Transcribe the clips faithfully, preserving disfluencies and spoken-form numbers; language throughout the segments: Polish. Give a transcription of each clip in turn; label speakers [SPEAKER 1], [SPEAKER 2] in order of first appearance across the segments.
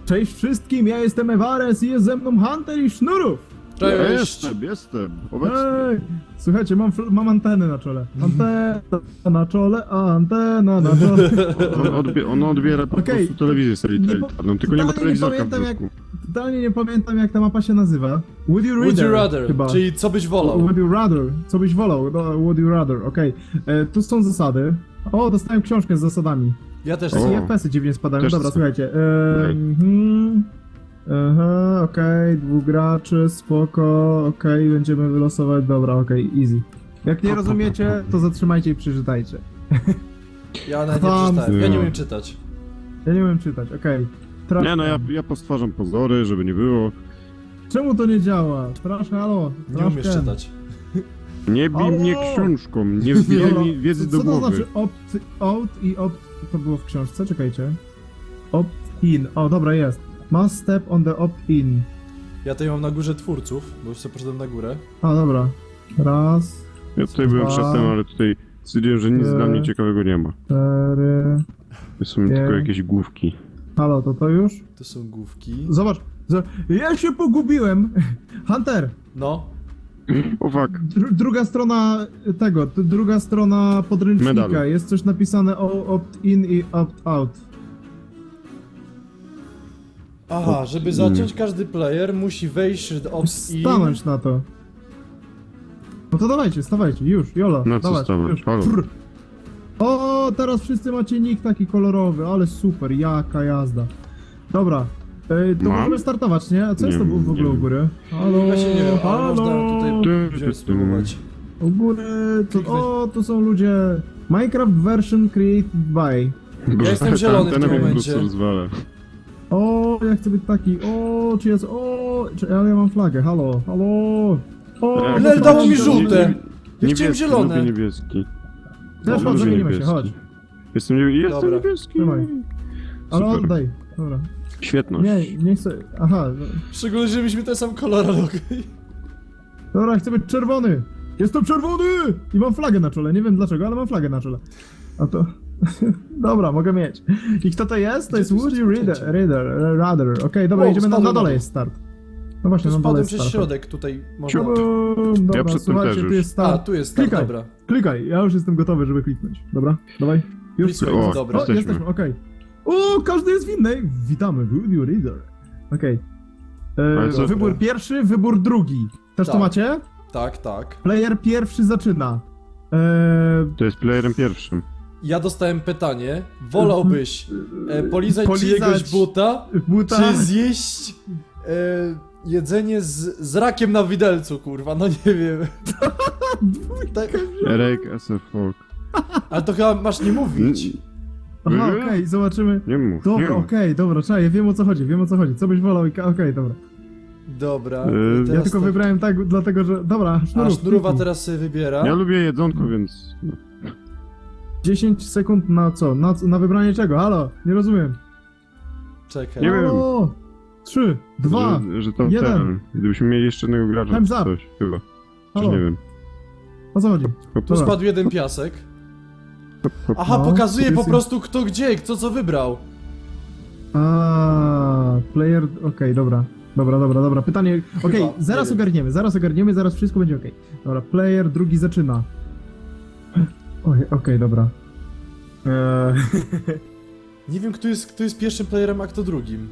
[SPEAKER 1] Cześć wszystkim, ja jestem Ewares i jest ze mną Hunter i Sznurów!
[SPEAKER 2] Ja
[SPEAKER 3] Cześć!
[SPEAKER 2] jestem, jestem, obecny.
[SPEAKER 1] Hej! Słuchajcie, mam, fl- mam antenę na czole. Antena na czole, antena na czole.
[SPEAKER 2] On, odbie on odbiera po
[SPEAKER 1] Okej.
[SPEAKER 2] prostu telewizję satelitarną, tylko nie ma
[SPEAKER 1] Totalnie nie
[SPEAKER 2] telewizorka w
[SPEAKER 1] pamiętam, jak,
[SPEAKER 2] brzuchu.
[SPEAKER 1] totalnie nie pamiętam jak ta mapa się nazywa. Would you rather?
[SPEAKER 3] Would you rather,
[SPEAKER 1] Chyba.
[SPEAKER 3] czyli co byś wolał?
[SPEAKER 1] Would you rather? Co byś wolał? No, would you rather, okej. E, Tu są zasady. O, dostałem książkę z zasadami.
[SPEAKER 3] Ja też.
[SPEAKER 2] O.
[SPEAKER 1] I F P S-y dziwnie spadają.
[SPEAKER 2] Też
[SPEAKER 1] Dobra,
[SPEAKER 2] chcę.
[SPEAKER 1] słuchajcie. E,
[SPEAKER 2] Okej.
[SPEAKER 1] mhm. Aha, okej, dwóch graczy, spoko, okej, będziemy wylosować, dobra, okej, easy. Jak nie rozumiecie, to zatrzymajcie i przeczytajcie.
[SPEAKER 3] Ja nawet nie
[SPEAKER 1] Tam.
[SPEAKER 3] przeczytałem, ja nie umiem czytać.
[SPEAKER 1] Ja nie umiem czytać, okej. Trash
[SPEAKER 2] Nie no, ja,
[SPEAKER 1] can.
[SPEAKER 2] ja postwarzam pozory, żeby nie było.
[SPEAKER 1] Czemu to nie działa? Trash, halo,
[SPEAKER 3] Nie
[SPEAKER 1] trash
[SPEAKER 3] umiesz
[SPEAKER 1] can.
[SPEAKER 3] czytać.
[SPEAKER 2] Nie bij mnie
[SPEAKER 1] Alo!
[SPEAKER 2] książką, nie wbijaj
[SPEAKER 1] Dobra,
[SPEAKER 2] mi wiedzy
[SPEAKER 1] co
[SPEAKER 2] do
[SPEAKER 1] to
[SPEAKER 2] głowy.
[SPEAKER 1] znaczy opt, out i opt... To było w książce, czekajcie. Opt-in, o dobra, jest. Must step on the opt-in.
[SPEAKER 3] Ja tutaj mam na górze twórców, bo już sobie poszedłem na górę.
[SPEAKER 1] A, dobra. Raz,
[SPEAKER 2] Ja tutaj byłem
[SPEAKER 1] Dwa.
[SPEAKER 2] przedtem, ale tutaj stwierdziłem, że nic
[SPEAKER 1] Trzy.
[SPEAKER 2] dla mnie ciekawego nie ma.
[SPEAKER 1] cztery...
[SPEAKER 2] To są
[SPEAKER 1] Nie.
[SPEAKER 2] tylko jakieś główki.
[SPEAKER 1] Halo, to to już?
[SPEAKER 3] Tu są główki.
[SPEAKER 1] Zobacz, zo- ja się pogubiłem. Hunter,
[SPEAKER 3] No.
[SPEAKER 2] O fuck.
[SPEAKER 1] dru druga strona tego, t- druga strona podręcznika,
[SPEAKER 2] Medalu.
[SPEAKER 1] jest coś napisane o opt-in i opt-out.
[SPEAKER 3] Aha, żeby zacząć każdy player musi wejść do opt-in.
[SPEAKER 1] Stanąć na to. No to dawajcie, stawajcie, już, jolo.
[SPEAKER 2] Na co
[SPEAKER 1] dawaj,
[SPEAKER 2] stawać?
[SPEAKER 1] już.
[SPEAKER 2] Halo.
[SPEAKER 1] Prr. O, teraz wszyscy macie nick taki kolorowy, ale super, jaka jazda. Dobra, e, to
[SPEAKER 2] Mam?
[SPEAKER 1] możemy startować, nie? A co jest
[SPEAKER 2] Nie
[SPEAKER 1] to w w
[SPEAKER 2] wiem,
[SPEAKER 1] ogóle
[SPEAKER 2] nie
[SPEAKER 1] u
[SPEAKER 2] wiem.
[SPEAKER 1] góry? Halo,
[SPEAKER 3] Właśnie nie wiem, ale
[SPEAKER 1] halo.
[SPEAKER 3] można tutaj
[SPEAKER 2] Ty,
[SPEAKER 3] wziąć
[SPEAKER 2] ty,
[SPEAKER 3] spróbować.
[SPEAKER 1] U góry, to, o, to są ludzie. Minecraft version created by.
[SPEAKER 2] Boże,
[SPEAKER 3] jestem
[SPEAKER 2] ta
[SPEAKER 3] zielony w
[SPEAKER 2] antena
[SPEAKER 3] tym
[SPEAKER 2] mnie po prostu
[SPEAKER 3] momencie.
[SPEAKER 2] rozwala.
[SPEAKER 1] O, ja chcę być taki. O, czy jest. O, czy, ale ja mam flagę, halo, halo. O,
[SPEAKER 2] Tak.
[SPEAKER 3] Lel, dało mi
[SPEAKER 2] Nie-
[SPEAKER 3] żółte.
[SPEAKER 2] nie-
[SPEAKER 3] Ja chciałem
[SPEAKER 2] niebieski,
[SPEAKER 3] zielone.
[SPEAKER 2] lubię niebieski.
[SPEAKER 1] Też
[SPEAKER 2] Lubię
[SPEAKER 1] chodź, zamienimy się,
[SPEAKER 2] niebieski.
[SPEAKER 1] chodź.
[SPEAKER 2] Jestem, nie... jestem
[SPEAKER 3] Dobra.
[SPEAKER 2] niebieski.
[SPEAKER 1] Trzymaj. Ale
[SPEAKER 2] Super.
[SPEAKER 1] oddaj. Dobra.
[SPEAKER 2] Świetność.
[SPEAKER 1] Nie, nie chcę. Aha, no.
[SPEAKER 3] Szczególnie, że mieliśmy ten sam kolor, ale okej.
[SPEAKER 1] Dobra, chcę być czerwony. Jestem czerwony! I mam flagę na czole, nie wiem dlaczego, ale mam flagę na czole. A to... Dobra, mogę mieć. I kto to jest? To
[SPEAKER 3] Gdzie
[SPEAKER 1] jest
[SPEAKER 3] tu jest
[SPEAKER 1] Woody Reader,
[SPEAKER 3] rozpoczęcie?
[SPEAKER 1] Reader, Rather. Okej, dobra,
[SPEAKER 3] O,
[SPEAKER 1] idziemy na, na
[SPEAKER 3] spadłem
[SPEAKER 1] dole
[SPEAKER 3] na
[SPEAKER 1] jest start. No właśnie,
[SPEAKER 3] Tu
[SPEAKER 1] na dole
[SPEAKER 3] spadłem
[SPEAKER 1] jest
[SPEAKER 3] przez
[SPEAKER 1] start.
[SPEAKER 3] środek, tutaj można...
[SPEAKER 1] Ciubum, dobra,
[SPEAKER 2] przedtem
[SPEAKER 1] słuchajcie,
[SPEAKER 2] też
[SPEAKER 1] tu
[SPEAKER 2] już.
[SPEAKER 1] jest start.
[SPEAKER 3] A, tu jest start,
[SPEAKER 1] Klikaj.
[SPEAKER 3] dobra.
[SPEAKER 1] Klikaj, ja już jestem gotowy, żeby kliknąć. Dobra, dawaj. Już
[SPEAKER 3] Klikaj,
[SPEAKER 2] O,
[SPEAKER 3] dobra.
[SPEAKER 1] O,
[SPEAKER 2] jesteśmy.
[SPEAKER 1] jesteśmy, okej. O, każdy jest w innej. Witamy, Woody Reader. Okej.
[SPEAKER 2] Ale
[SPEAKER 1] E,
[SPEAKER 2] co-
[SPEAKER 1] Wybór pierwszy, wybór drugi. Też to
[SPEAKER 3] Tak.
[SPEAKER 1] macie?
[SPEAKER 3] Tak, tak.
[SPEAKER 1] Player pierwszy zaczyna. E,
[SPEAKER 2] To jest playerem pierwszym.
[SPEAKER 3] Ja dostałem pytanie, wolałbyś e, polizać,
[SPEAKER 1] Polizać
[SPEAKER 3] czyjegoś buta,
[SPEAKER 1] buta.
[SPEAKER 3] czy zjeść e, jedzenie z, z rakiem na widelcu, kurwa, no nie wiem. Tak,
[SPEAKER 2] Rake as a fuck.
[SPEAKER 3] ale to chyba masz nie mówić.
[SPEAKER 1] Aha, okej, zobaczymy.
[SPEAKER 2] Nie mów,
[SPEAKER 1] Dobra,
[SPEAKER 2] nie mów.
[SPEAKER 1] okej, dobra, czekaj, wiem o co chodzi, wiem o co chodzi. Co byś wolał i ka- okej, dobra.
[SPEAKER 3] Dobra.
[SPEAKER 2] E,
[SPEAKER 3] i
[SPEAKER 1] Ja
[SPEAKER 3] teraz
[SPEAKER 1] tylko
[SPEAKER 3] to-
[SPEAKER 1] wybrałem tak, dlatego że... Dobra,
[SPEAKER 3] A
[SPEAKER 1] sznurów,
[SPEAKER 3] sznurowa
[SPEAKER 1] kliknij.
[SPEAKER 3] teraz sobie wybiera.
[SPEAKER 2] Ja lubię jedzonko, więc... no.
[SPEAKER 1] dziesięć sekund na co? Na, co- na wybranie czego? Halo, nie rozumiem.
[SPEAKER 3] Czekaj.
[SPEAKER 2] Nie wiem.
[SPEAKER 1] Halo! Trzy, dwa,
[SPEAKER 2] Że, że to
[SPEAKER 1] jeden.
[SPEAKER 2] ten... Gdybyśmy mieli jeszcze jednego gracza,
[SPEAKER 1] Time's
[SPEAKER 2] czy
[SPEAKER 1] up.
[SPEAKER 2] coś, chyba. Czy
[SPEAKER 1] halo,
[SPEAKER 2] nie wiem.
[SPEAKER 1] o co chodzi?
[SPEAKER 2] Hop,
[SPEAKER 3] Tu
[SPEAKER 1] Dobra.
[SPEAKER 3] spadł jeden piasek.
[SPEAKER 2] hop, hop.
[SPEAKER 3] Aha,
[SPEAKER 1] No,
[SPEAKER 3] pokazuje po
[SPEAKER 1] jest-
[SPEAKER 3] prostu kto gdzie, kto co wybrał.
[SPEAKER 1] A, player, okej, dobra. Dobra, dobra, dobra. Pytanie, okej,
[SPEAKER 3] Chyba,
[SPEAKER 1] zaraz
[SPEAKER 3] nie wiem.
[SPEAKER 1] ogarniemy, zaraz ogarniemy, zaraz wszystko będzie okej. Dobra, player drugi zaczyna. Oj, okej, dobra. Eee,
[SPEAKER 3] Nie wiem kto jest, kto jest pierwszym playerem, a kto drugim.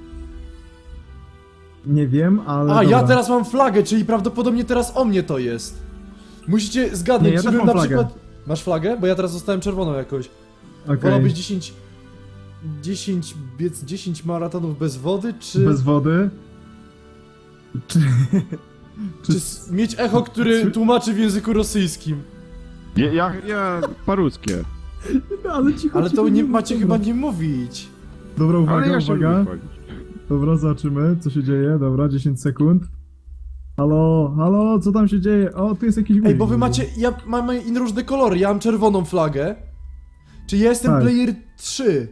[SPEAKER 1] nie wiem, ale
[SPEAKER 3] A,
[SPEAKER 1] dobra.
[SPEAKER 3] ja teraz mam flagę, czyli prawdopodobnie teraz o mnie to jest. Musicie zgadnąć,
[SPEAKER 1] Nie, ja
[SPEAKER 3] czy
[SPEAKER 1] też
[SPEAKER 3] bym
[SPEAKER 1] mam
[SPEAKER 3] na
[SPEAKER 1] flagę.
[SPEAKER 3] przykład... Masz flagę? Bo ja teraz zostałem czerwoną jakoś.
[SPEAKER 1] Okej.
[SPEAKER 3] Wolałbyś dziesięć... dziesięć biec dziesięć maratonów bez wody, czy...
[SPEAKER 1] Bez wody. Czy...
[SPEAKER 3] Czy s- mieć echo, który tłumaczy w języku rosyjskim?
[SPEAKER 2] Ja, ja, ja paruskie.
[SPEAKER 1] Ale cicho,
[SPEAKER 3] Ale
[SPEAKER 1] cicho,
[SPEAKER 3] to nie
[SPEAKER 1] mów,
[SPEAKER 3] macie
[SPEAKER 1] dobra.
[SPEAKER 3] chyba nie mówić.
[SPEAKER 1] Dobra, uwaga,
[SPEAKER 2] Ale ja się
[SPEAKER 1] uwaga.
[SPEAKER 2] lubię chwalić.
[SPEAKER 1] Dobra, zobaczymy, co się dzieje. Dobra, dziesięć sekund. Halo, halo, co tam się dzieje? O, tu jest jakiś
[SPEAKER 3] Ej,
[SPEAKER 1] guzik.
[SPEAKER 3] bo wy macie... Ja mam inne różne kolory, ja mam czerwoną flagę. Czy ja jestem
[SPEAKER 1] Tak.
[SPEAKER 3] player trzy?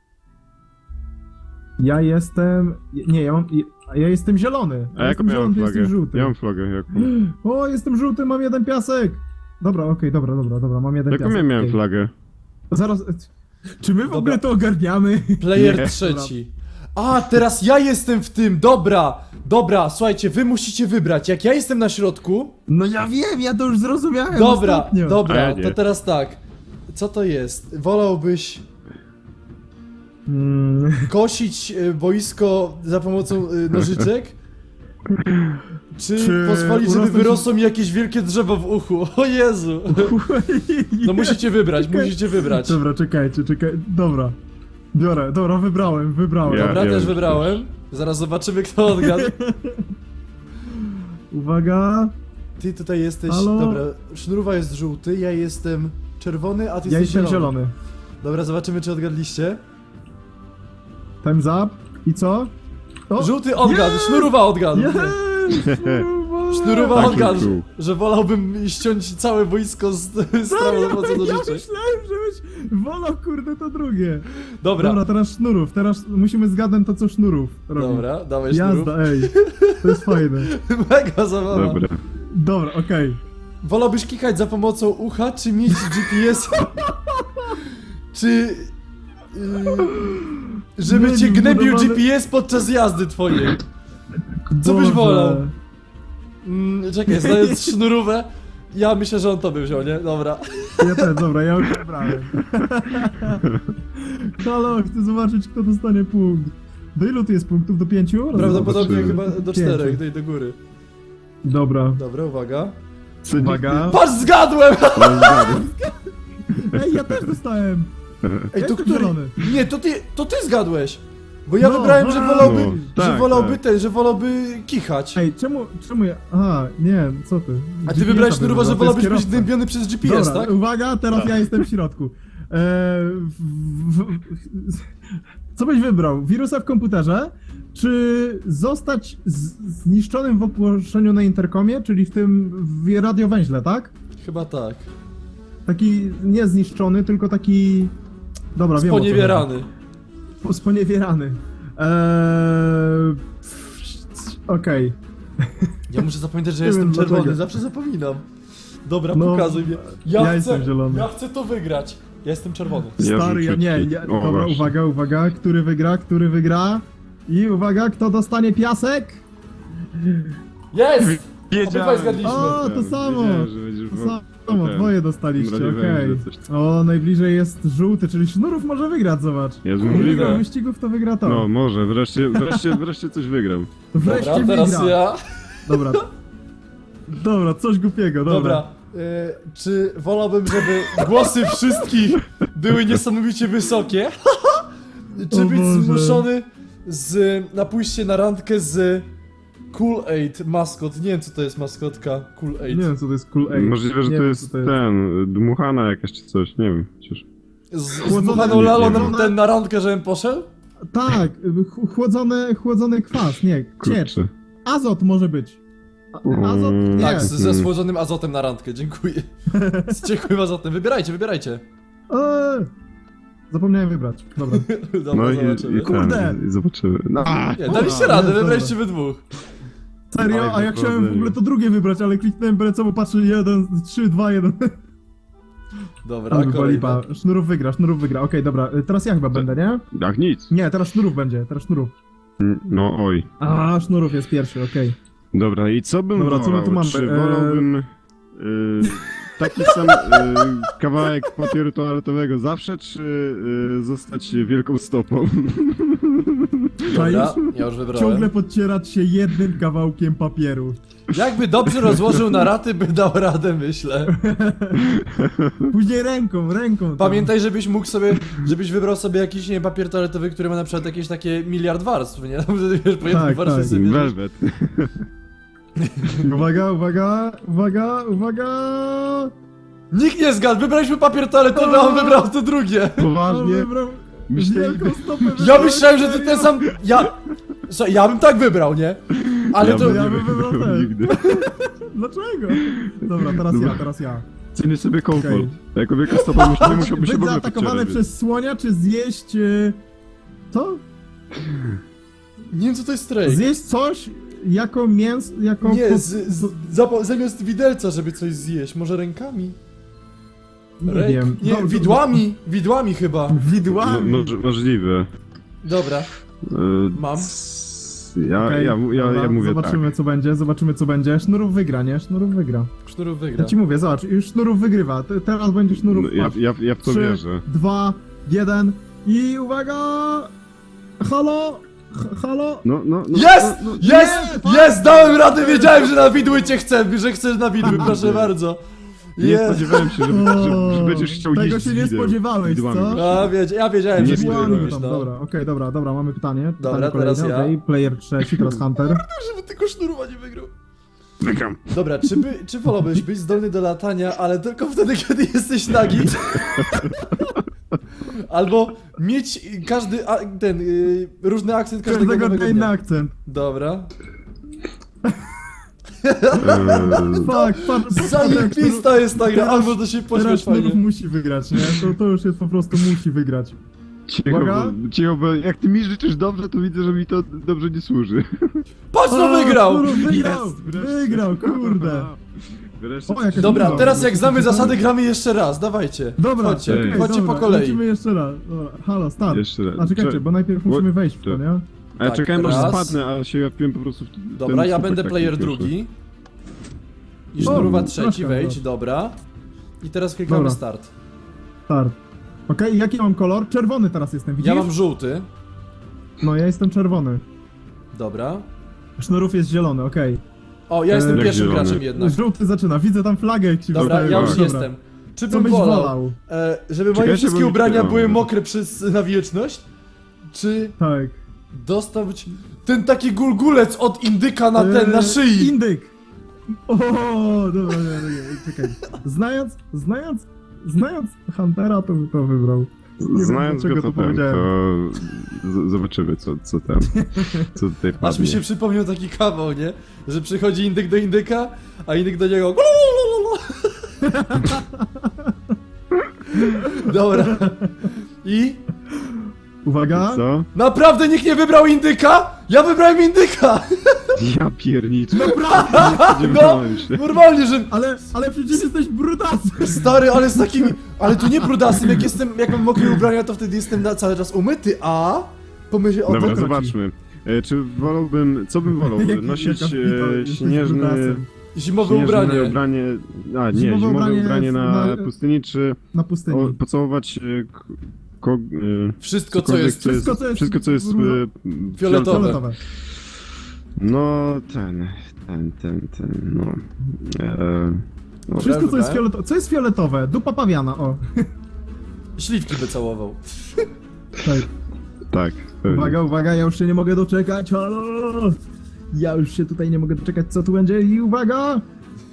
[SPEAKER 1] Ja jestem... Nie, ja mam... Ja jestem zielony. Ja
[SPEAKER 2] A jaką
[SPEAKER 1] jestem
[SPEAKER 2] miałem
[SPEAKER 1] zielony, ty
[SPEAKER 2] flagę?
[SPEAKER 1] jesteś żółty.
[SPEAKER 2] Ja mam flagę, jaką?
[SPEAKER 1] O, jestem żółty, mam jeden piasek! Dobra, okej, dobra, dobra, dobra, mam jeden
[SPEAKER 2] Jaką
[SPEAKER 1] piasek.
[SPEAKER 2] ja miałem
[SPEAKER 1] okej.
[SPEAKER 2] flagę?
[SPEAKER 1] Zaraz... Czy my w
[SPEAKER 3] Dobra.
[SPEAKER 1] ogóle to ogarniamy?
[SPEAKER 3] Player
[SPEAKER 2] Nie.
[SPEAKER 3] trzeci. A, teraz ja jestem w tym, dobra! Dobra, słuchajcie, wy musicie wybrać. Jak ja jestem na środku,
[SPEAKER 1] No ja wiem, ja to już zrozumiałem
[SPEAKER 3] dobra,
[SPEAKER 1] ostatnio.
[SPEAKER 2] A
[SPEAKER 3] dobra,
[SPEAKER 2] ja nie.
[SPEAKER 3] to teraz tak. Co to jest? Wolałbyś
[SPEAKER 1] Mm,
[SPEAKER 3] kosić y, boisko za pomocą y, nożyczek? Czy,
[SPEAKER 1] Czy
[SPEAKER 3] pozwolić, żeby
[SPEAKER 1] urosnąć-
[SPEAKER 3] wyrosło mi jakieś wielkie drzewo w uchu? O Jezu! No musicie wybrać,
[SPEAKER 1] Czekaj.
[SPEAKER 3] musicie wybrać.
[SPEAKER 1] Dobra, czekajcie, czekaj, dobra. Biorę, dobra, wybrałem, wybrałem.
[SPEAKER 2] Ja-
[SPEAKER 3] Dobra, też
[SPEAKER 2] już
[SPEAKER 3] wybrałem. Zaraz zobaczymy, kto odgadł.
[SPEAKER 1] Uwaga,
[SPEAKER 3] Ty tutaj jesteś.
[SPEAKER 1] Halo?
[SPEAKER 3] Dobra, Sznurowa jest żółty, ja jestem czerwony, a ty
[SPEAKER 1] ja
[SPEAKER 3] jesteś
[SPEAKER 1] jestem
[SPEAKER 3] zielony.
[SPEAKER 1] zielony.
[SPEAKER 3] Dobra, zobaczymy, czy odgadliście.
[SPEAKER 1] Time's up. I co? O,
[SPEAKER 3] Żółty odgadł,
[SPEAKER 1] Jest!
[SPEAKER 3] Sznurowa odgadł.
[SPEAKER 1] Jest!
[SPEAKER 3] Sznurowa
[SPEAKER 2] Taki
[SPEAKER 3] odgadł,
[SPEAKER 2] był.
[SPEAKER 3] że wolałbym ściąć całe wojsko z, z prawo za pomocą
[SPEAKER 1] Ja
[SPEAKER 3] nożyczek.
[SPEAKER 1] myślałem, żebyś wolał, kurde, to drugie.
[SPEAKER 3] Dobra,
[SPEAKER 1] Dobra, teraz sznurów, teraz musimy zgadnąć to, co sznurów robi.
[SPEAKER 3] dobra, dawaj Sznurów.
[SPEAKER 1] Jazda, ej, to jest fajne.
[SPEAKER 3] Mega zabawa.
[SPEAKER 2] Dobra.
[SPEAKER 1] Dobra, okej.
[SPEAKER 3] Wolałbyś klikać za pomocą ucha, czy mieć G P S? czy... Yy, żeby
[SPEAKER 1] Nie,
[SPEAKER 3] cię
[SPEAKER 1] nie,
[SPEAKER 3] gnębił
[SPEAKER 1] budowane-
[SPEAKER 3] G P S podczas jazdy twojej. Co byś
[SPEAKER 1] Boże.
[SPEAKER 3] wolał? Mm, czekaj, znając Sznurówę, ja myślę, że on to by wziął, nie? Dobra.
[SPEAKER 1] Ja też, dobra, ja już wybrałem. Halo, chcę zobaczyć, kto dostanie punkt. Do ilu tu jest punktów? Do pięciu?
[SPEAKER 3] Prawdopodobnie
[SPEAKER 2] zobaczymy.
[SPEAKER 3] chyba do
[SPEAKER 1] Pięciu.
[SPEAKER 3] czterech, do, do góry.
[SPEAKER 1] Dobra.
[SPEAKER 3] Dobra, uwaga.
[SPEAKER 1] Uwaga.
[SPEAKER 3] Patrz, zgadłem!
[SPEAKER 1] Ej, ja też dostałem.
[SPEAKER 3] Ej, to
[SPEAKER 1] jestem
[SPEAKER 3] który?
[SPEAKER 1] zielony.
[SPEAKER 3] Nie, to ty, to ty zgadłeś! Bo ja
[SPEAKER 1] No,
[SPEAKER 3] wybrałem, że
[SPEAKER 1] no,
[SPEAKER 3] wolałby,
[SPEAKER 2] no,
[SPEAKER 3] że
[SPEAKER 2] tak,
[SPEAKER 3] wolałby
[SPEAKER 2] tak.
[SPEAKER 3] ten, że wolałby kichać.
[SPEAKER 1] Ej, czemu, czemu ja... Aha, nie, co ty?
[SPEAKER 3] A ty
[SPEAKER 1] G P S-a
[SPEAKER 3] wybrałeś Sznurowa, że
[SPEAKER 1] wybrał, to
[SPEAKER 3] wolałbyś
[SPEAKER 1] jest
[SPEAKER 3] być
[SPEAKER 1] kierowca.
[SPEAKER 3] gnębiony przez G P S,
[SPEAKER 1] Dobra,
[SPEAKER 3] tak?
[SPEAKER 1] uwaga, teraz ja jestem w środku. Eee, w, w, w, co byś wybrał? Wirusa w komputerze? Czy zostać z, zniszczonym w ogłoszeniu na interkomie, czyli w tym w radiowęźle, tak?
[SPEAKER 3] Chyba tak.
[SPEAKER 1] Taki nie zniszczony, tylko taki... Dobra, wiem o co
[SPEAKER 3] Sponiewierany.
[SPEAKER 1] chodzi. Sponiewierany. Eee, Okej.
[SPEAKER 3] Ja muszę zapamiętać, że
[SPEAKER 1] Nie
[SPEAKER 3] jestem
[SPEAKER 1] wiem,
[SPEAKER 3] czerwony,
[SPEAKER 1] dlaczego.
[SPEAKER 3] zawsze zapominam. Dobra,
[SPEAKER 1] No,
[SPEAKER 3] pokazuj mnie. Ja,
[SPEAKER 1] ja
[SPEAKER 3] chcę,
[SPEAKER 1] jestem zielony.
[SPEAKER 3] ja chcę to wygrać. Ja jestem czerwony.
[SPEAKER 2] Ja
[SPEAKER 1] Stary, ja
[SPEAKER 2] rzucę
[SPEAKER 1] nie,
[SPEAKER 2] ci.
[SPEAKER 1] ja,
[SPEAKER 2] O,
[SPEAKER 1] dobra,
[SPEAKER 2] właśnie.
[SPEAKER 1] uwaga, uwaga, który wygra, który wygra? I uwaga, kto dostanie piasek?
[SPEAKER 3] Jest!
[SPEAKER 2] Wiedziałem.
[SPEAKER 3] Obydwaj zgadliśmy.
[SPEAKER 1] O, to samo.
[SPEAKER 2] Wiedziałem, że będziesz
[SPEAKER 1] To
[SPEAKER 2] wo-
[SPEAKER 1] samo,
[SPEAKER 2] ten,
[SPEAKER 1] dwoje dostaliście,
[SPEAKER 2] mrowie
[SPEAKER 1] okej.
[SPEAKER 2] węże, coś tam.
[SPEAKER 1] O, najbliżej jest żółty, czyli Sznurów może wygrać, zobacz.
[SPEAKER 2] Jest
[SPEAKER 1] Wygra
[SPEAKER 2] możliwe.
[SPEAKER 1] wyścigów, to wygra to.
[SPEAKER 2] No, może, wreszcie, wreszcie, wreszcie coś wygram.
[SPEAKER 1] Wreszcie
[SPEAKER 3] Dobra, teraz
[SPEAKER 1] wygra.
[SPEAKER 3] ja.
[SPEAKER 1] Dobra. Dobra, coś głupiego, dobra.
[SPEAKER 3] Dobra. Y, czy wolałbym, żeby głosy wszystkich były niesamowicie wysokie? czy
[SPEAKER 1] O
[SPEAKER 3] być
[SPEAKER 1] Boże.
[SPEAKER 3] zmuszony z, na pójście na randkę z Cool Aid maskot? Nie wiem, co to jest maskotka Cool Aid.
[SPEAKER 1] Nie wiem, co to jest cool aid.
[SPEAKER 2] Możliwe, że
[SPEAKER 1] Nie
[SPEAKER 2] to
[SPEAKER 1] wiem,
[SPEAKER 2] jest
[SPEAKER 1] co
[SPEAKER 2] ten, dmuchana jakaś czy coś, nie wiem. Przecież...
[SPEAKER 3] Z, z
[SPEAKER 1] Chłodzone-
[SPEAKER 3] dmuchaną lalą na
[SPEAKER 1] chłodzone-
[SPEAKER 3] ten na randkę, żebym poszedł?
[SPEAKER 1] Tak, ch- chłodzony, chłodzony kwas, nie, ciecz.
[SPEAKER 2] Kurczę.
[SPEAKER 1] Azot może być. A- Azot?
[SPEAKER 2] Mm.
[SPEAKER 1] Nie.
[SPEAKER 3] Tak, z, ze schłodzonym azotem na randkę, dziękuję. Z ciekłym azotem. Wybierajcie, wybierajcie.
[SPEAKER 1] Eee, zapomniałem wybrać. Dobra.
[SPEAKER 3] Dobra,
[SPEAKER 2] No i,
[SPEAKER 3] zobaczymy.
[SPEAKER 2] i,
[SPEAKER 1] Kurde.
[SPEAKER 2] ten, i zobaczymy. No,
[SPEAKER 3] Nie, daliście
[SPEAKER 1] A,
[SPEAKER 3] radę,
[SPEAKER 1] jest,
[SPEAKER 3] wybraliście we dwóch.
[SPEAKER 1] Serio?
[SPEAKER 2] Oj,
[SPEAKER 1] A ja chciałem w
[SPEAKER 2] powodzenia.
[SPEAKER 1] ogóle to drugie wybrać, ale kliknąłem byle co, bo patrzę jeden, trzy, dwa, jeden.
[SPEAKER 3] Dobra,
[SPEAKER 1] Ale była
[SPEAKER 3] kolejna.
[SPEAKER 1] lipa. Sznurów wygra, Sznurów wygra. Okej, dobra, y, teraz ja chyba będę, nie?
[SPEAKER 2] jak nic.
[SPEAKER 1] Nie, teraz Sznurów będzie, teraz Sznurów.
[SPEAKER 2] No oj.
[SPEAKER 1] A, Sznurów jest pierwszy, okej.
[SPEAKER 2] Dobra, i co bym
[SPEAKER 1] Dobra, co my
[SPEAKER 2] wolał?
[SPEAKER 1] tu mamy?
[SPEAKER 2] Czy
[SPEAKER 1] Eee,
[SPEAKER 2] wolałbym y, taki sam y, kawałek papieru toaletowego zawsze, czy y, zostać wielką stopą?
[SPEAKER 3] Dobra, ja już wybrałem.
[SPEAKER 1] Ciągle podcierać się jednym kawałkiem papieru.
[SPEAKER 3] Jakby dobrze rozłożył na raty, by dał radę, myślę.
[SPEAKER 1] Później ręką, ręką. tam.
[SPEAKER 3] Pamiętaj, żebyś mógł sobie, żebyś wybrał sobie jakiś, nie wiem, papier toaletowy, który ma na przykład jakieś takie miliard warstw, nie? Tam wtedy wiesz, po jednej
[SPEAKER 1] Tak,
[SPEAKER 3] warstwie
[SPEAKER 1] tak.
[SPEAKER 3] sobie bierzesz.
[SPEAKER 2] Velvet.
[SPEAKER 1] Uwaga, uwaga, uwaga, uwaga!
[SPEAKER 3] Nikt nie zgadł, wybraliśmy papier toaletowy, a on wybrał to drugie.
[SPEAKER 1] On
[SPEAKER 2] Poważnie?
[SPEAKER 1] wybrał
[SPEAKER 2] Myślę,
[SPEAKER 1] wielką stopę.
[SPEAKER 3] Ja
[SPEAKER 1] wybrał,
[SPEAKER 3] myślałem, że ty
[SPEAKER 1] serio?
[SPEAKER 3] ten sam... Ja... Słuchaj, ja bym tak wybrał, nie? Ale
[SPEAKER 2] ja
[SPEAKER 3] to...
[SPEAKER 2] bym
[SPEAKER 1] ja
[SPEAKER 2] nie
[SPEAKER 1] bym wybrał
[SPEAKER 2] wybrał
[SPEAKER 1] ten.
[SPEAKER 2] nigdy.
[SPEAKER 1] Dlaczego? Dobra, teraz
[SPEAKER 2] Dobra.
[SPEAKER 1] ja, teraz ja.
[SPEAKER 2] Cenię sobie komfort.
[SPEAKER 1] Okej.
[SPEAKER 2] Jako wielka stopa musi- nie musiałby się
[SPEAKER 1] Być
[SPEAKER 2] w ogóle
[SPEAKER 1] zaatakowany
[SPEAKER 2] podcierać.
[SPEAKER 1] przez słonia, czy zjeść... e, Co?
[SPEAKER 3] Nie wiem, co to jest strejk.
[SPEAKER 1] Zjeść coś jako mięs... jako...
[SPEAKER 3] Nie,
[SPEAKER 1] po-
[SPEAKER 3] z, z, zapa- zamiast widelca, żeby coś zjeść, może rękami?
[SPEAKER 1] Nie
[SPEAKER 3] Ręk-
[SPEAKER 1] wiem.
[SPEAKER 3] Nie,
[SPEAKER 1] No,
[SPEAKER 3] widłami, widłami chyba.
[SPEAKER 2] No,
[SPEAKER 1] Widłami.
[SPEAKER 2] może- możliwe.
[SPEAKER 3] Dobra. Mam.
[SPEAKER 2] Ja,
[SPEAKER 1] Okej,
[SPEAKER 2] ja, ja,
[SPEAKER 1] dobra,
[SPEAKER 2] ja mówię
[SPEAKER 1] Zobaczymy co będzie, zobaczymy co będzie. Sznurów wygra, nie? Sznurów wygra.
[SPEAKER 3] Sznurów
[SPEAKER 1] Ja
[SPEAKER 3] wygra.
[SPEAKER 1] ci mówię, zobacz, już Sznurów wygrywa. Te- Teraz będzie
[SPEAKER 2] tak.
[SPEAKER 1] Sznurów.
[SPEAKER 2] No, ja,
[SPEAKER 1] patrz.
[SPEAKER 2] ja, ja w to
[SPEAKER 1] Trzy,
[SPEAKER 2] wierzę.
[SPEAKER 1] dwa, jeden i uwaga! Halo? H- halo?
[SPEAKER 2] No, no, no.
[SPEAKER 3] Jest!
[SPEAKER 2] No, no,
[SPEAKER 3] Jest!
[SPEAKER 1] nie,
[SPEAKER 3] Jest! Dałem radę, wiedziałem, że na widły cię chcę, że chcesz na widły, proszę
[SPEAKER 2] Nie.
[SPEAKER 3] bardzo.
[SPEAKER 2] Nie
[SPEAKER 3] Jest!
[SPEAKER 2] spodziewałem się, że, że, że będziesz chciał
[SPEAKER 1] Tego
[SPEAKER 2] jeść
[SPEAKER 1] się nie
[SPEAKER 2] z widłem.
[SPEAKER 1] spodziewałeś,
[SPEAKER 2] Widłami.
[SPEAKER 1] co?
[SPEAKER 3] A, wiedz, ja wiedziałem, że
[SPEAKER 2] Nie
[SPEAKER 3] widły
[SPEAKER 2] spodziewałem
[SPEAKER 3] robisz,
[SPEAKER 1] tam,
[SPEAKER 3] no.
[SPEAKER 1] dobra, okej, dobra, dobra, mamy pytanie.
[SPEAKER 3] Dobra,
[SPEAKER 1] pytanie kolejne,
[SPEAKER 3] teraz ja.
[SPEAKER 1] okej, player trzeci, teraz Hunter.
[SPEAKER 3] Żeby tylko sznurowa nie wygrał.
[SPEAKER 2] Wygram.
[SPEAKER 3] Dobra, czy, by, czy wolałbyś być zdolny do latania, ale tylko wtedy, kiedy jesteś nagi? Albo mieć każdy, a, ten, y, różny akcent każdego
[SPEAKER 1] Każdego
[SPEAKER 3] nowego
[SPEAKER 1] dnia inny
[SPEAKER 3] dnia.
[SPEAKER 1] akcent.
[SPEAKER 3] Dobra.
[SPEAKER 2] Eee,
[SPEAKER 1] Fuck, patrz,
[SPEAKER 3] Zajebista jest ta gra,
[SPEAKER 1] Teraz-
[SPEAKER 3] albo to się
[SPEAKER 1] Teraz
[SPEAKER 3] pośmiesz
[SPEAKER 1] Sznurów
[SPEAKER 3] fajnie.
[SPEAKER 1] musi wygrać, nie? To, to już jest po prostu musi wygrać.
[SPEAKER 2] cicho,
[SPEAKER 1] Uwaga.
[SPEAKER 2] bo, cicho, bo jak ty mi życzysz dobrze, to widzę, że mi to dobrze nie służy.
[SPEAKER 3] Patrz, no
[SPEAKER 1] O,
[SPEAKER 3] wygrał!
[SPEAKER 1] Sznurów wygrał!
[SPEAKER 2] Jest, wreszcie.
[SPEAKER 1] Wygrał, kurde!
[SPEAKER 2] Wreszcie.
[SPEAKER 1] O, jakaś
[SPEAKER 3] Dobra,
[SPEAKER 1] Dobra,
[SPEAKER 3] teraz jak znamy
[SPEAKER 1] dobra.
[SPEAKER 3] zasady, gramy jeszcze raz, dawajcie.
[SPEAKER 1] Dobra,
[SPEAKER 3] Chodźcie,
[SPEAKER 2] okej,
[SPEAKER 3] chodźcie
[SPEAKER 1] dobra,
[SPEAKER 3] po kolei.
[SPEAKER 1] Lecimy jeszcze raz. Dobra, halo, start.
[SPEAKER 2] Jeszcze raz.
[SPEAKER 1] A czekajcie,
[SPEAKER 2] Cze-
[SPEAKER 1] bo najpierw musimy wejść w to, nie?
[SPEAKER 2] A ja
[SPEAKER 3] Tak,
[SPEAKER 2] czekałem aż
[SPEAKER 3] raz.
[SPEAKER 2] spadnę, a się japiłem po prostu w ten
[SPEAKER 3] Dobra, ja
[SPEAKER 2] słupek
[SPEAKER 3] będę
[SPEAKER 2] taki
[SPEAKER 3] player
[SPEAKER 2] pierwszy.
[SPEAKER 3] drugi. I
[SPEAKER 1] O,
[SPEAKER 3] sznurowa trzeci,
[SPEAKER 1] proszę,
[SPEAKER 3] wejdź,
[SPEAKER 1] proszę.
[SPEAKER 3] dobra. I teraz klikamy
[SPEAKER 1] Dobra.
[SPEAKER 3] start.
[SPEAKER 1] Start. Okej, jaki mam kolor? Czerwony teraz jestem, widzisz?
[SPEAKER 3] Ja mam żółty.
[SPEAKER 1] No, ja jestem czerwony.
[SPEAKER 3] Dobra.
[SPEAKER 1] Sznurów jest zielony, okej.
[SPEAKER 3] O, ja jestem
[SPEAKER 1] Jak
[SPEAKER 3] pierwszym
[SPEAKER 2] zielony.
[SPEAKER 3] graczem jednak.
[SPEAKER 1] Żółty zaczyna, widzę tam flagę jak się
[SPEAKER 3] Dobra,
[SPEAKER 1] wystawił.
[SPEAKER 3] ja już
[SPEAKER 1] Dobra.
[SPEAKER 3] jestem. Czy
[SPEAKER 1] Co
[SPEAKER 3] bym
[SPEAKER 1] byś
[SPEAKER 3] wolał,
[SPEAKER 1] wolał?
[SPEAKER 3] e, żeby moje
[SPEAKER 2] Czekajcie,
[SPEAKER 3] wszystkie
[SPEAKER 2] bo mi
[SPEAKER 3] ubrania
[SPEAKER 2] się-
[SPEAKER 3] były mokre przez, na wieczność? Czy
[SPEAKER 1] Tak.
[SPEAKER 3] dostać ten taki gulgulec od indyka na ten, na
[SPEAKER 1] Eee,
[SPEAKER 3] szyi?
[SPEAKER 1] Indyk! O, dobra, dobra, dobra, czekaj. Znając, znając, znając Huntera, to by to wybrał. Nie wiem,
[SPEAKER 2] Znając
[SPEAKER 1] dlaczego
[SPEAKER 2] go to
[SPEAKER 1] to
[SPEAKER 2] ten,
[SPEAKER 1] powiedziałem.
[SPEAKER 2] to z- zobaczymy co, co tam, co tutaj
[SPEAKER 3] Aż mi
[SPEAKER 2] padnie.
[SPEAKER 3] się przypomniał taki kawał, nie? Że przychodzi indyk do indyka, a indyk do niego. Dobra. I?
[SPEAKER 1] Uwaga!
[SPEAKER 2] Co?
[SPEAKER 3] Naprawdę nikt nie wybrał indyka? Ja wybrałem indyka!
[SPEAKER 2] Ja pierniczę.
[SPEAKER 1] Naprawdę!
[SPEAKER 3] No,
[SPEAKER 2] Spodziewałem się.
[SPEAKER 3] normalnie, że...
[SPEAKER 1] Ale, ale przecież jesteś brudasem!
[SPEAKER 3] Stary, ale z takimi... Ale tu nie brudasem, jak jestem, jak mam mokre ubrania, to wtedy jestem na cały czas umyty, a... Pomyśl o
[SPEAKER 2] Dobra,
[SPEAKER 3] to...
[SPEAKER 2] zobaczmy. E, czy wolałbym, co bym wolał?
[SPEAKER 1] Jaki-
[SPEAKER 2] Nosić
[SPEAKER 1] jaka pita,
[SPEAKER 2] e,
[SPEAKER 1] jesteś
[SPEAKER 2] śnieżny,
[SPEAKER 3] Zimowe
[SPEAKER 1] brudasem.
[SPEAKER 2] śnieżne
[SPEAKER 3] ubranie.
[SPEAKER 2] ubranie. A, nie,
[SPEAKER 1] Zimowe
[SPEAKER 2] zimowe
[SPEAKER 1] ubranie
[SPEAKER 2] ubranie, na,
[SPEAKER 1] na-
[SPEAKER 2] pustyni, czy
[SPEAKER 1] Na pustyni.
[SPEAKER 2] o, pocałować e, k- ko, e,
[SPEAKER 3] Wszystko, co
[SPEAKER 2] cokolwiek,
[SPEAKER 3] jest...
[SPEAKER 1] wszystko, co jest
[SPEAKER 2] wszystko, co jest e,
[SPEAKER 3] Fioletowe.
[SPEAKER 1] Fioletowe.
[SPEAKER 2] No, ten, ten, ten, ten, no. E, no
[SPEAKER 1] Wszystko, co jest
[SPEAKER 3] wybrałem?
[SPEAKER 1] fioletowe. Co jest fioletowe? Dupa pawiana, o.
[SPEAKER 3] Śliwki by całował.
[SPEAKER 1] Tak.
[SPEAKER 2] tak. pewnie.
[SPEAKER 1] Uwaga, uwaga, ja już się nie mogę doczekać. Halo! Ja już się tutaj nie mogę doczekać, co tu będzie. I uwaga!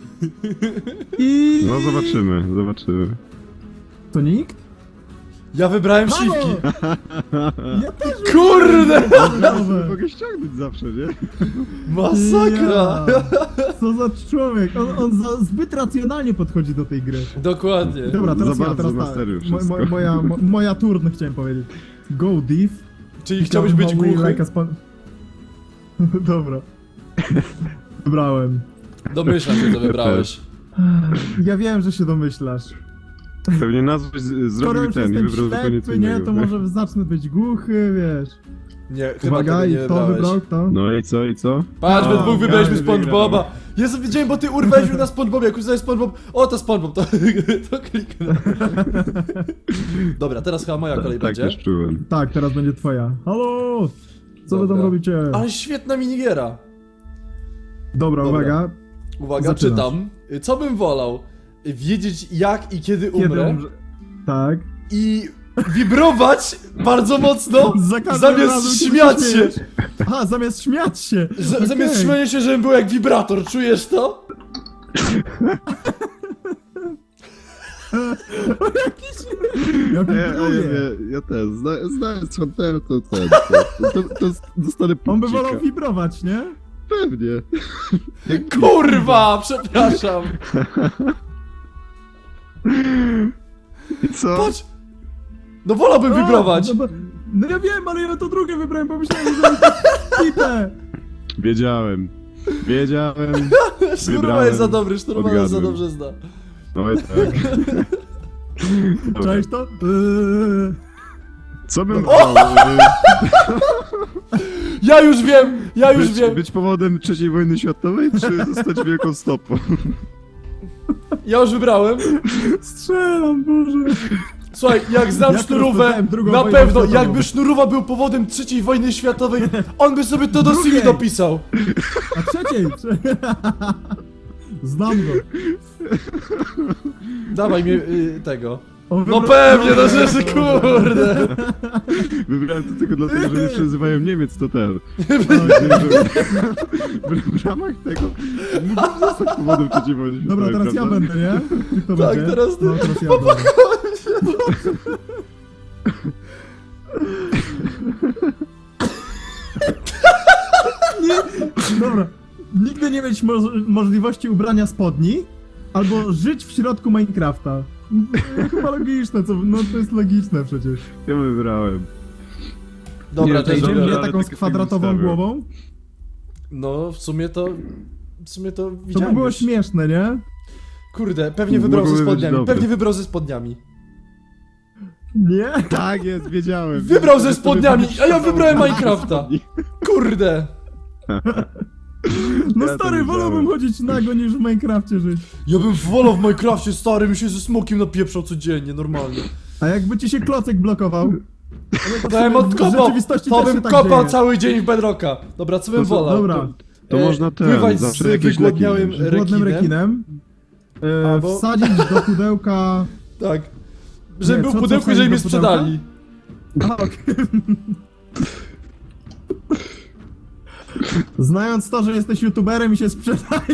[SPEAKER 1] I...
[SPEAKER 2] No zobaczymy, zobaczymy.
[SPEAKER 1] To nikt?
[SPEAKER 3] Ja wybrałem
[SPEAKER 1] Halo!
[SPEAKER 3] śliwki.
[SPEAKER 1] Ja też
[SPEAKER 3] Kurde!
[SPEAKER 1] fioletowe.
[SPEAKER 2] Mogę ściągnąć zawsze, nie?
[SPEAKER 3] Masakra!
[SPEAKER 1] Ja. Co za człowiek? On, on za, zbyt racjonalnie podchodzi do tej gry.
[SPEAKER 3] Dokładnie.
[SPEAKER 1] Dobra, teraz
[SPEAKER 2] Za
[SPEAKER 1] ja,
[SPEAKER 2] bardzo
[SPEAKER 1] teraz
[SPEAKER 2] masteruję
[SPEAKER 1] ta, mo,
[SPEAKER 2] wszystko.
[SPEAKER 1] mo, moja, mo, moja turn chciałem powiedzieć. Go div.
[SPEAKER 3] Czyli chciałbyś być
[SPEAKER 1] How we
[SPEAKER 3] głuchy?
[SPEAKER 1] like a span- Dobra. Wybrałem.
[SPEAKER 3] Domyślam się, co wybrałeś.
[SPEAKER 1] Ja wiem, że się domyślasz.
[SPEAKER 2] Pewnie nazwę z-
[SPEAKER 1] Skoro
[SPEAKER 2] zrobił
[SPEAKER 1] już
[SPEAKER 2] ten i
[SPEAKER 1] jestem
[SPEAKER 2] wybrał zupełnie co
[SPEAKER 1] ślepy, nie,
[SPEAKER 2] innego.
[SPEAKER 1] to może zacznę być głuchy, wiesz.
[SPEAKER 3] Nie, chyba
[SPEAKER 1] Uwaga,
[SPEAKER 3] tego
[SPEAKER 1] i
[SPEAKER 3] nie
[SPEAKER 1] kto
[SPEAKER 3] wybrałeś.
[SPEAKER 1] wybrał, kto?
[SPEAKER 2] No i co, i co?
[SPEAKER 3] Patrz, we
[SPEAKER 1] O,
[SPEAKER 3] dwóch wybraliśmy
[SPEAKER 2] ja
[SPEAKER 3] SpongeBoba. Jezu, widziałem, bo ty urwałeś mnie na SpongeBoba, jak już SpongeBob... O, to SpongeBob, to, to kliknę. Dobra, teraz chyba moja kolej
[SPEAKER 2] Tak
[SPEAKER 3] będzie.
[SPEAKER 2] też czułem.
[SPEAKER 1] Tak, teraz będzie twoja. Halo! Co wy
[SPEAKER 3] Dobra.
[SPEAKER 1] tam robicie?
[SPEAKER 3] Ale świetna minigiera.
[SPEAKER 1] Dobra,
[SPEAKER 3] Dobra.
[SPEAKER 1] uwaga.
[SPEAKER 3] Uwaga,
[SPEAKER 1] Zaczynasz.
[SPEAKER 3] czytam. Co bym wolał? Wiedzieć jak i kiedy
[SPEAKER 1] Kiedy
[SPEAKER 3] umrę
[SPEAKER 1] umrze... Tak.
[SPEAKER 3] i wibrować bardzo mocno
[SPEAKER 1] Za każdym razem,
[SPEAKER 3] zamiast
[SPEAKER 1] kiedy
[SPEAKER 3] śmiać się.
[SPEAKER 1] śmiejesz. Aha, zamiast śmiać się.
[SPEAKER 3] Z,
[SPEAKER 1] Okej.
[SPEAKER 3] Zamiast śmiania się, żebym był jak wibrator, czujesz to?
[SPEAKER 1] Ja
[SPEAKER 2] Ja, ja, ja,
[SPEAKER 1] wibruję.
[SPEAKER 2] ja też, zna, znając Huntera to ten, to, to, to dostanę
[SPEAKER 1] On by
[SPEAKER 2] punkcika.
[SPEAKER 1] wolał wibrować, nie?
[SPEAKER 2] Pewnie.
[SPEAKER 3] Kurwa, przepraszam.
[SPEAKER 2] I co?
[SPEAKER 3] Patrz. No wolałbym wibrować.
[SPEAKER 1] No, bo- no ja wiem, ale ja to drugie wybrałem, bo myślałem, że to jest
[SPEAKER 2] Wiedziałem. Wiedziałem.
[SPEAKER 3] Szturma
[SPEAKER 2] wybrałem,
[SPEAKER 3] jest za dobry, szturma jest za
[SPEAKER 2] odgadłem.
[SPEAKER 3] dobrze zna.
[SPEAKER 2] No i tak. Dobra.
[SPEAKER 1] Cześć to? Eee.
[SPEAKER 2] Co bym
[SPEAKER 3] O!
[SPEAKER 2] brał? y,
[SPEAKER 3] Ja już wiem, ja już
[SPEAKER 2] być,
[SPEAKER 3] wiem.
[SPEAKER 2] być powodem trzeciej wojny światowej, czy zostać wielką stopą?
[SPEAKER 3] Ja już wybrałem.
[SPEAKER 1] Strzelam, Boże.
[SPEAKER 3] Słuchaj, jak znam
[SPEAKER 1] Jak
[SPEAKER 3] sznurówę,
[SPEAKER 1] rozpoznałem drugą
[SPEAKER 3] na
[SPEAKER 1] wojnę
[SPEAKER 3] pewno,
[SPEAKER 1] światową.
[SPEAKER 3] jakby sznurówa był powodem trzeciej wojny światowej, on by sobie to do C V
[SPEAKER 1] Drugiej.
[SPEAKER 3] dopisał.
[SPEAKER 1] A trzeciej! Trze- Znam go.
[SPEAKER 3] Dawaj mi y, tego.
[SPEAKER 1] On
[SPEAKER 3] No
[SPEAKER 1] wybra-
[SPEAKER 3] pewnie, no rzeczy, kurde.
[SPEAKER 2] Wybrałem to tylko dlatego, że nie przezywają Niemiec, to ten. W ramach tego mógłbym zostać powodem trzeciej wojny
[SPEAKER 1] Dobra,
[SPEAKER 2] światowej,
[SPEAKER 1] teraz ja
[SPEAKER 2] prawda?
[SPEAKER 1] będę, nie? Czy kto
[SPEAKER 3] Tak,
[SPEAKER 1] będzie?
[SPEAKER 3] teraz ty.
[SPEAKER 1] No, teraz ja będę. Nie, dobra. Nigdy nie mieć mo możliwości ubrania spodni, albo żyć w środku Minecrafta. Chyba logiczne, co? No to jest logiczne przecież.
[SPEAKER 2] Ja wybrałem.
[SPEAKER 3] Dobra,
[SPEAKER 2] Nie,
[SPEAKER 3] to jest
[SPEAKER 2] to
[SPEAKER 1] Idziemy
[SPEAKER 2] dobra,
[SPEAKER 1] mnie
[SPEAKER 2] ale
[SPEAKER 1] taką z
[SPEAKER 2] tak
[SPEAKER 1] kwadratową
[SPEAKER 2] sobie
[SPEAKER 1] głową?
[SPEAKER 3] No, w sumie to... W sumie to
[SPEAKER 1] To by
[SPEAKER 3] widziałem
[SPEAKER 1] było
[SPEAKER 3] już.
[SPEAKER 1] śmieszne, nie?
[SPEAKER 3] Kurde, pewnie wybrał ze
[SPEAKER 2] Mogłoby być
[SPEAKER 3] spodniami,
[SPEAKER 2] dobre.
[SPEAKER 3] pewnie wybrał ze spodniami.
[SPEAKER 1] Nie?
[SPEAKER 2] Tak jest, wiedziałem.
[SPEAKER 3] Wybrał ze
[SPEAKER 2] Że to
[SPEAKER 3] spodniami,
[SPEAKER 2] będzie
[SPEAKER 3] a ja
[SPEAKER 2] przydało.
[SPEAKER 3] wybrałem Minecrafta. Kurde.
[SPEAKER 1] No
[SPEAKER 2] Ja to
[SPEAKER 1] stary,
[SPEAKER 2] wiedziałem.
[SPEAKER 1] wolałbym chodzić nago niż w Minecrafcie żyć.
[SPEAKER 3] Ja bym wolał w Minecrafcie, stary, mi się ze smokiem napieprzał codziennie, normalnie.
[SPEAKER 1] A jakby ci się klocek blokował?
[SPEAKER 3] To bym
[SPEAKER 1] W
[SPEAKER 3] odkopał,
[SPEAKER 1] rzeczywistości
[SPEAKER 3] to
[SPEAKER 1] też
[SPEAKER 3] bym
[SPEAKER 1] się tak
[SPEAKER 3] kopał
[SPEAKER 1] dzieje.
[SPEAKER 3] cały dzień w Bedrocka. Dobra, co bym
[SPEAKER 2] To co-
[SPEAKER 3] wolał?
[SPEAKER 1] Dobra.
[SPEAKER 2] To
[SPEAKER 3] E,
[SPEAKER 2] można ten,
[SPEAKER 3] pływać z
[SPEAKER 2] zawsze jakieś
[SPEAKER 3] wygłodniałym
[SPEAKER 2] leki
[SPEAKER 1] Z głodnym rekinem. E,
[SPEAKER 3] Albo-
[SPEAKER 1] Wsadzić do pudełka...
[SPEAKER 3] Tak. Żeby
[SPEAKER 1] Nie,
[SPEAKER 3] był
[SPEAKER 1] co-
[SPEAKER 3] w
[SPEAKER 1] co
[SPEAKER 3] pudełku,
[SPEAKER 1] wsadzić
[SPEAKER 3] żeby mnie
[SPEAKER 1] do pudełka?
[SPEAKER 3] sprzedali.
[SPEAKER 1] A, okej. Znając to, że jesteś youtuberem i się sprzedaje.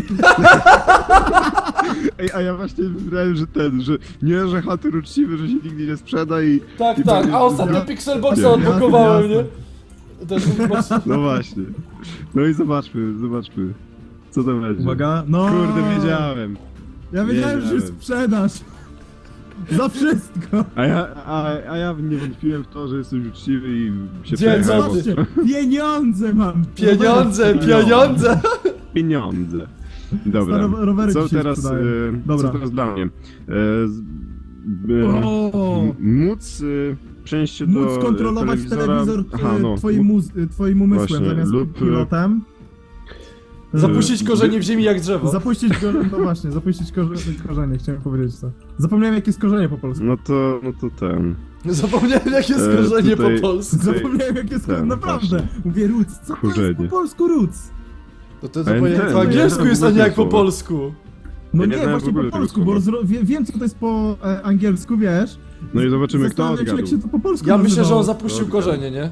[SPEAKER 2] Ej, a ja właśnie wybrałem, że ten, że nie, że chaty uczciwy, że się nigdy nie sprzeda i...
[SPEAKER 3] Tak,
[SPEAKER 2] i
[SPEAKER 3] tak,
[SPEAKER 2] będzie-
[SPEAKER 3] a ostatnio
[SPEAKER 1] Ja-
[SPEAKER 3] Pixelboxa
[SPEAKER 2] Nie,
[SPEAKER 3] odblokowałem, nie?
[SPEAKER 1] jasne.
[SPEAKER 3] Ten unbox.
[SPEAKER 2] No właśnie. No i zobaczmy, zobaczmy. Co to będzie?
[SPEAKER 1] Uwaga, no.
[SPEAKER 2] Kurde, wiedziałem.
[SPEAKER 1] Ja wiedziałem, że się
[SPEAKER 2] wiedziałem.
[SPEAKER 1] sprzedasz. Za wszystko.
[SPEAKER 2] A ja, a, a ja nie wątpiłem w to, że jesteś uczciwy i się
[SPEAKER 3] Dzień
[SPEAKER 2] przejechałem.
[SPEAKER 3] dobry.
[SPEAKER 1] Zobaczcie, pieniądze mam.
[SPEAKER 3] Pieniądze,
[SPEAKER 2] Rowery.
[SPEAKER 3] pieniądze!
[SPEAKER 2] Pieniądze. Dobra.
[SPEAKER 1] Stare rowery
[SPEAKER 2] Co
[SPEAKER 1] ci się
[SPEAKER 2] teraz,
[SPEAKER 1] sprzedają.
[SPEAKER 2] e,
[SPEAKER 1] Dobra.
[SPEAKER 2] co teraz dla mnie? E, z, e,
[SPEAKER 1] O!
[SPEAKER 2] m- móc e, przejść się do
[SPEAKER 1] Móc kontrolować
[SPEAKER 2] telewizora.
[SPEAKER 1] telewizor
[SPEAKER 2] Aha, no.
[SPEAKER 1] twoim, muz, twoim umysłem
[SPEAKER 2] Właśnie,
[SPEAKER 1] zamiast
[SPEAKER 2] lub, e,
[SPEAKER 1] pilotem.
[SPEAKER 3] Zapuścić korzenie w ziemi jak drzewo.
[SPEAKER 1] Zapuścić korzenie, no właśnie, zapuścić korze, korzenie, chciałem powiedzieć to. Zapomniałem jakie jest korzenie po polsku.
[SPEAKER 2] No to, no to ten.
[SPEAKER 3] Zapomniałem jakie jest
[SPEAKER 2] E,
[SPEAKER 3] korzenie
[SPEAKER 2] tutaj-
[SPEAKER 3] po polsku.
[SPEAKER 2] tutaj-
[SPEAKER 1] Zapomniałem jakie jest
[SPEAKER 2] ten,
[SPEAKER 1] korzenie, naprawdę.
[SPEAKER 2] właśnie.
[SPEAKER 1] Mówię roots, co to jest
[SPEAKER 2] Korzenie.
[SPEAKER 1] po polsku roots?
[SPEAKER 3] No to
[SPEAKER 2] Ale
[SPEAKER 3] zupełnie
[SPEAKER 2] ten,
[SPEAKER 3] po angielsku
[SPEAKER 2] nie,
[SPEAKER 3] jest,
[SPEAKER 2] to
[SPEAKER 3] a nie jak po
[SPEAKER 2] słowo.
[SPEAKER 3] polsku.
[SPEAKER 1] No
[SPEAKER 2] Ja nie
[SPEAKER 1] nie,
[SPEAKER 2] znałem w
[SPEAKER 1] właśnie
[SPEAKER 2] ogóle
[SPEAKER 1] po
[SPEAKER 2] tego
[SPEAKER 1] polsku, bo
[SPEAKER 2] słowa.
[SPEAKER 1] zro, wie, wiem co to jest po e, angielsku, wiesz?
[SPEAKER 2] No i zobaczymy, kto
[SPEAKER 1] Zastanawiam się, jak
[SPEAKER 2] odgadł.
[SPEAKER 1] się to po polsku
[SPEAKER 3] Ja myślę, że on
[SPEAKER 1] nazywało.
[SPEAKER 3] zapuścił
[SPEAKER 2] Dobra.
[SPEAKER 3] korzenie, nie?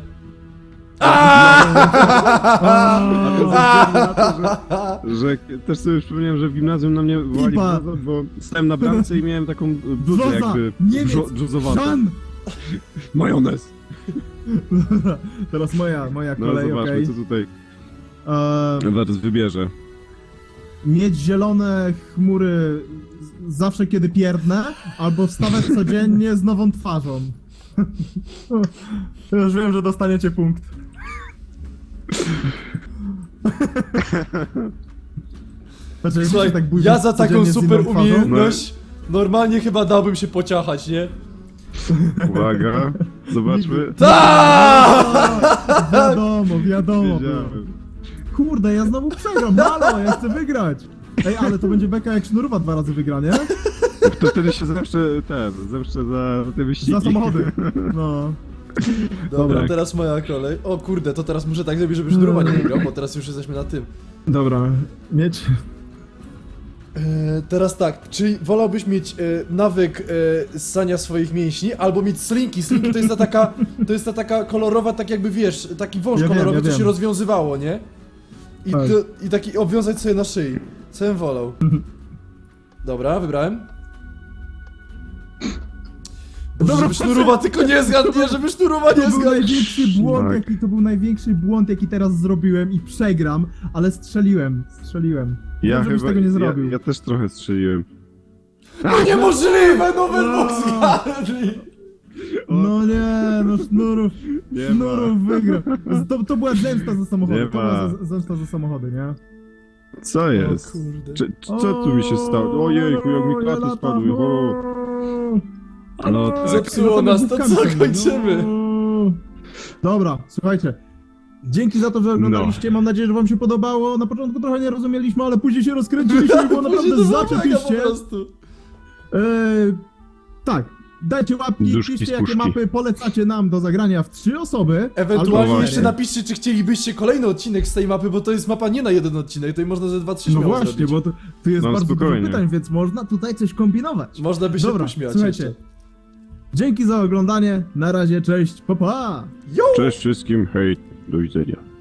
[SPEAKER 2] Że też sobie przypomniałem, że w gimnazjum na mnie wołali
[SPEAKER 1] Pipa.
[SPEAKER 2] brzoza, bo stałem na bramce i miałem taką bluzę
[SPEAKER 1] Brzoza,
[SPEAKER 2] jakby
[SPEAKER 1] Niemiec,
[SPEAKER 2] brzo- brzozowatą.
[SPEAKER 1] Żan!
[SPEAKER 2] Majonez.
[SPEAKER 1] Dobra, teraz moja, moja
[SPEAKER 2] No
[SPEAKER 1] kolej,
[SPEAKER 2] zobaczmy,
[SPEAKER 1] okej.
[SPEAKER 2] co tutaj
[SPEAKER 1] Eee,
[SPEAKER 2] Wers wybierze.
[SPEAKER 1] mieć zielone chmury z- zawsze kiedy pierdnę, albo wstawać codziennie z nową twarzą. To już wiem, że dostaniecie punkt. Znaczy, jak
[SPEAKER 3] Słuchaj,
[SPEAKER 1] się tak budzić
[SPEAKER 3] ja za taką
[SPEAKER 1] codziennie z
[SPEAKER 3] super
[SPEAKER 1] inną twarzą?
[SPEAKER 3] umiejętność normalnie chyba dałbym się pociachać, nie?
[SPEAKER 2] Uwaga, zobaczmy.
[SPEAKER 3] Tak!
[SPEAKER 1] O, wiadomo, wiadomo.
[SPEAKER 2] Wiedziałem.
[SPEAKER 1] Kurde, ja znowu przegram, halo, ja chcę wygrać. Ej, ale to będzie beka jak Sznurowa dwa razy wygra, nie?
[SPEAKER 2] To wtedy się zemszczę ten, zemszczę za te wyścigi.
[SPEAKER 1] Za samochody. No.
[SPEAKER 3] Dobra,
[SPEAKER 2] Tak.
[SPEAKER 3] teraz moja kolej. O kurde, to teraz muszę tak zrobić, żeby sznurowa nie wygrał, bo teraz już jesteśmy na tym.
[SPEAKER 1] Dobra, mieć...
[SPEAKER 3] E, teraz tak, czy wolałbyś mieć e, nawyk e, ssania swoich mięśni, albo mieć slinki? Slinki to jest ta taka, to jest ta taka kolorowa, tak jakby wiesz, taki wąż
[SPEAKER 1] Ja wiem,
[SPEAKER 3] kolorowy,
[SPEAKER 1] ja
[SPEAKER 3] co się
[SPEAKER 1] wiem.
[SPEAKER 3] rozwiązywało, nie? I,
[SPEAKER 1] Tak.
[SPEAKER 3] to, I taki obwiązać sobie na szyi. Co bym wolał? Dobra, wybrałem. Boże,
[SPEAKER 1] Dobra,
[SPEAKER 3] żeby sznurowa tylko nie zgadnie, żeby sznurowa nie
[SPEAKER 1] To był
[SPEAKER 3] zgadnie.
[SPEAKER 1] największy błąd,
[SPEAKER 2] Tak.
[SPEAKER 1] jaki to był największy błąd, jaki teraz zrobiłem i przegram, ale strzeliłem, strzeliłem.
[SPEAKER 2] Ja
[SPEAKER 1] Wiem, żebyś
[SPEAKER 2] chyba,
[SPEAKER 1] tego nie zrobił.
[SPEAKER 2] Ja, ja też trochę strzeliłem.
[SPEAKER 3] No niemożliwe, no wy
[SPEAKER 1] No.
[SPEAKER 3] dwóch zgadli.
[SPEAKER 1] No nie, no Sznurów,
[SPEAKER 2] Nie
[SPEAKER 1] Sznurów wygrał. To, to była zemsta za samochody,
[SPEAKER 2] Nie
[SPEAKER 1] to była
[SPEAKER 2] ma.
[SPEAKER 1] za- zemsta za samochody, nie?
[SPEAKER 2] Co jest?
[SPEAKER 3] O kurde.
[SPEAKER 2] Czy, czy, co tu mi się stało? Ojejku, jak mi klaty spadły. O. No tak.
[SPEAKER 3] Zepsuło nas, to co, kończymy?
[SPEAKER 1] No. Dobra, słuchajcie. Dzięki za to, że oglądaliście. Mam nadzieję, że wam się podobało. Na początku trochę nie rozumieliśmy, ale później się rozkręciliśmy i było
[SPEAKER 3] Później
[SPEAKER 1] naprawdę
[SPEAKER 3] to było mega
[SPEAKER 1] zaczepiście.
[SPEAKER 3] po prostu.
[SPEAKER 1] E, tak, dajcie łapki,
[SPEAKER 2] Duszki
[SPEAKER 1] piszcie
[SPEAKER 2] z
[SPEAKER 1] jakie
[SPEAKER 2] puszki.
[SPEAKER 1] mapy polecacie nam do zagrania w trzy osoby.
[SPEAKER 3] Ewentualnie
[SPEAKER 1] albo
[SPEAKER 3] jeszcze
[SPEAKER 1] cztery.
[SPEAKER 3] napiszcie, czy chcielibyście kolejny odcinek z tej mapy, bo to jest mapa nie na jeden odcinek, tutaj można ze dwa, trzy
[SPEAKER 1] No
[SPEAKER 3] śmiało
[SPEAKER 1] właśnie,
[SPEAKER 3] zrobić.
[SPEAKER 1] bo to, tu jest
[SPEAKER 2] No,
[SPEAKER 1] bardzo
[SPEAKER 2] spokojnie.
[SPEAKER 1] dużo pytań, więc można tutaj coś kombinować.
[SPEAKER 3] Można by się
[SPEAKER 1] Dobra,
[SPEAKER 3] pośmiać
[SPEAKER 1] słuchajcie.
[SPEAKER 3] jeszcze.
[SPEAKER 1] Dzięki za oglądanie. Na razie, cześć, pa pa!
[SPEAKER 3] Yo!
[SPEAKER 2] Cześć wszystkim, hej, do widzenia.